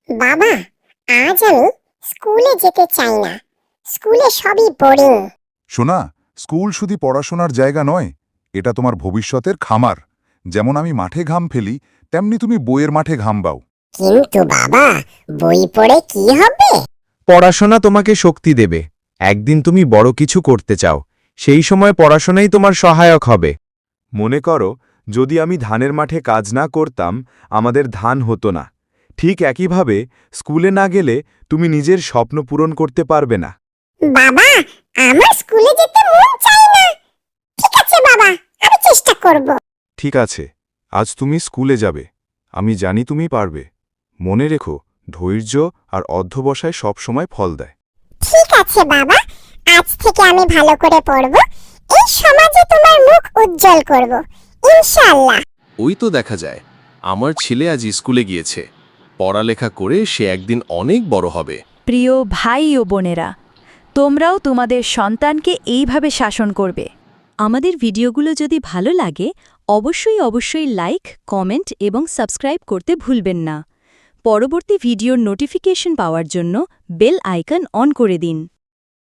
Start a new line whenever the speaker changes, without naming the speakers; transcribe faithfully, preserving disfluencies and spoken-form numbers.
বাবা, আজ আমি স্কুলে যেতে চাই না। স্কুলে সবই বোরিং।
শোনা, স্কুল শুধু পড়াশোনার জায়গা নয়, এটা তোমার ভবিষ্যতের খামার। যেমন আমি মাঠে ঘাম ফেলি, তেমনি তুমি বইয়ের মাঠে ঘাম বাও।
কিন্তু বাবা, বই পড়ে কি হবে?
পড়াশোনা তোমাকে শক্তি দেবে। একদিন তুমি বড় কিছু করতে চাও, সেই সময় পড়াশোনাই তোমার সহায়ক হবে।
মনে করো, যদি আমি ধানের মাঠে কাজ না করতাম, আমাদের ধান হতো না। ঠিক একইভাবে স্কুলে না গেলে তুমি নিজের স্বপ্ন পূরণ করতে পারবে না।
বাবা, আমার স্কুলে যেতে মন চায় না। ঠিক আছে বাবা, আমি চেষ্টা করব।
ঠিক আছে, আজ তুমি স্কুলে যাবে। আমি জানি তুমি পারবে। মনে রেখো, ধৈর্য আর অধ্যবসায় সবসময় ফল দেয়।
ঠিক আছে বাবা, আজ থেকে আমি ভালো করে পড়ব। এই সমাজে তোমার মুখ উজ্জ্বল করব, ইনশাআল্লাহ।
ওই তো দেখা যায়, আমার ছেলে আজ স্কুলে গিয়েছে। পড়ালেখা করে সে একদিন অনেক বড় হবে।
প্রিয় ভাই ও বোনেরা, তোমরাও তোমাদের সন্তানকে এইভাবে শাসন করবে। আমাদের ভিডিওগুলো যদি ভালো লাগে, অবশ্যই অবশ্যই লাইক, কমেন্ট এবং সাবস্ক্রাইব করতে ভুলবেন না। পরবর্তী ভিডিওর নোটিফিকেশন পাওয়ার জন্য বেল আইকন অন করে দিন।